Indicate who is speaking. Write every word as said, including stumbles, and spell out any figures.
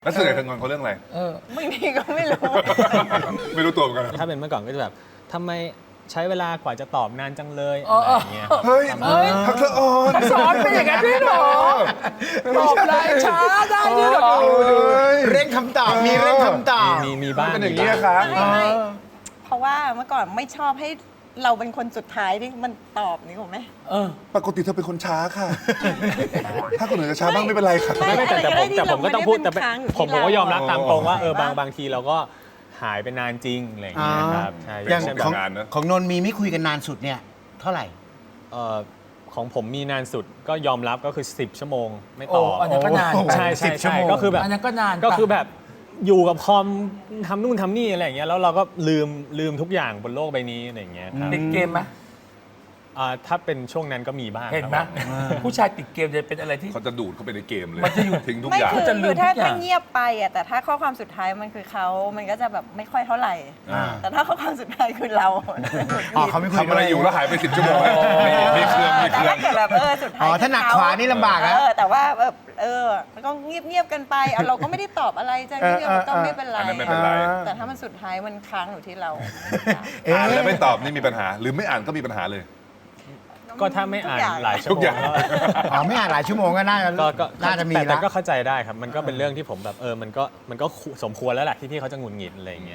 Speaker 1: แล้วส่วนใหญ่เธองอนเขาเรื่องอะไร
Speaker 2: เออ
Speaker 3: บางทีก็ไม่รู้
Speaker 1: ไม่รู้ตัวเหมือนกัน
Speaker 4: ถ้าเป็นเมื่อก่อนก็จะแบบทำไมใช้เวลากว่าจะตอบนานจังเลย
Speaker 2: อ๋อ
Speaker 4: อะไรอย่างเงี้ย
Speaker 1: เฮ้ย
Speaker 4: ประมาณนั้น
Speaker 1: พักเธออ่อน
Speaker 2: สอนเป็นอย่างนั้นด้วยเหรอตอบไลน์ช้าได้ด้วยเหรอ
Speaker 5: เร่งคำตอบมีเร่งคำตอบ
Speaker 4: มีมีบ้าง
Speaker 1: เป็นอย่าง
Speaker 4: มี
Speaker 1: นี้
Speaker 4: บ้าง
Speaker 1: ครับ
Speaker 3: ไม่ไม่เพราะว่าเมื่อก่อนไม่ชอบให้เราเป็นคนสุดท้ายที่มันตอบนี่ถูกไหม
Speaker 2: เออ
Speaker 1: ปกติเธอเป็นคนช้าค่ะ ถ้าคนอื่นจะช้าบ้างไม่เป็นไรค่ะ
Speaker 4: ไม่ไม่แต่แต่ผมแต่ผมก็ต้องพูดแต่
Speaker 3: ไม่ได้เป็นค้างอยู่ที่
Speaker 4: ผมผมก็ยอมรับ
Speaker 1: เรา
Speaker 4: ตามตรงว่า
Speaker 3: อ๋อ
Speaker 4: เออบาง
Speaker 3: ใช่ปะ
Speaker 4: บางทีเราก็หายไปนานจริงอะไรอย่างเงี้ยครับใช่
Speaker 1: เป็
Speaker 5: อย่าง
Speaker 4: เช่น
Speaker 1: เป็
Speaker 4: แบบ
Speaker 5: ของ
Speaker 1: งานเนอะ
Speaker 5: ของนนท์มีไม่คุยกันนานสุดเนี่ย เท่าไหร่
Speaker 4: เอ่อของผมมีนานสุดก็ยอมรับก็คือสิบชั่วโมงไม่
Speaker 2: โอ้
Speaker 4: ตอบ
Speaker 2: อันนั้นก็นาน
Speaker 5: โอ้
Speaker 4: ใช่
Speaker 5: สิ
Speaker 4: ใช่
Speaker 5: บชั่ว
Speaker 4: ใช่
Speaker 5: โมง
Speaker 4: ก็คือแบบ
Speaker 2: อันนั้นก็นาน
Speaker 4: ก็คือ
Speaker 2: ปะ
Speaker 4: แบบอยู่กับคอมทำนู่นทำนี่อะไรอย่างเงี้ยแล้วเราก็ลืมลืมทุกอย่างบนโลกใบนี้อะไรอย่างเงี้ยครับ
Speaker 2: ติดเกมไหม
Speaker 4: อ่าถ้าเป็นช่วงนั้นก็มีบ้าง
Speaker 2: เห็นไหม
Speaker 4: ครับ
Speaker 2: ผู้ชายติดเกมจะเป็นอะไรที่
Speaker 1: เขาจะดูดเข้าไปในเกมเลย
Speaker 2: มันจะอยู่
Speaker 1: ทิ้งทุก
Speaker 3: ไม่
Speaker 1: อย่าง
Speaker 3: คือ
Speaker 2: จะลืม
Speaker 3: คือถ้า
Speaker 2: ทุกอย่าง
Speaker 3: ถ้าเงียบไปอ่ะแต่ถ้าข้อความสุดท้ายมันคือเขามันก็จะแบบไม่ค่อยเท่าไหร่
Speaker 1: อ่า
Speaker 3: แต่ถ้าข้อความสุดท้ายคือเรา
Speaker 5: อ๋อเขาไม่คุย
Speaker 1: ทำอะไรอยู่แล้วหายไปสิบชั่วโมงมีมีเครื่องมีเค
Speaker 3: แต่
Speaker 1: รื่อง
Speaker 3: ถ้าเกิดแบบเออสุดท้าย
Speaker 5: อ๋อถ้าหนักขวานี่ลำบากนะ
Speaker 3: เออแต่ว่าแบบเออมันก็เงียบเงียบๆกันไปเอาเราก็ไม่ได้ตอบอะไรจะเงียบๆมันก็ไม่เป็นไร
Speaker 1: อันนั้นไม่เป็นไร
Speaker 3: แต่ถ้ามันสุดท้ายมันค้างอยู่ที่เรา
Speaker 5: เอ๊ะ
Speaker 1: อ่านแล้วไม่ตอบนี่มีปัญหา หรือไม่อ่านก็มีปัญหาเลย
Speaker 4: ก็ถ้าไม่อ่านหลายชั่
Speaker 1: ทุ
Speaker 4: ว
Speaker 1: ก
Speaker 4: โม
Speaker 1: อย่าง ง
Speaker 4: ก็
Speaker 5: อ๋อไม่อ่านหลายชั่วโมงก็น่าจะ
Speaker 4: ก็ก็
Speaker 5: น่าจะมี
Speaker 4: แต่แต่
Speaker 5: ละ
Speaker 4: ก็เข้าใจได้ครับ มันก็เป็นเรื่องที่ผมแบบเออมันก็มันก็สมควรแล้วแหละที่พี่เขาจะหงุดหงิดอะไรอย่างเงี้ย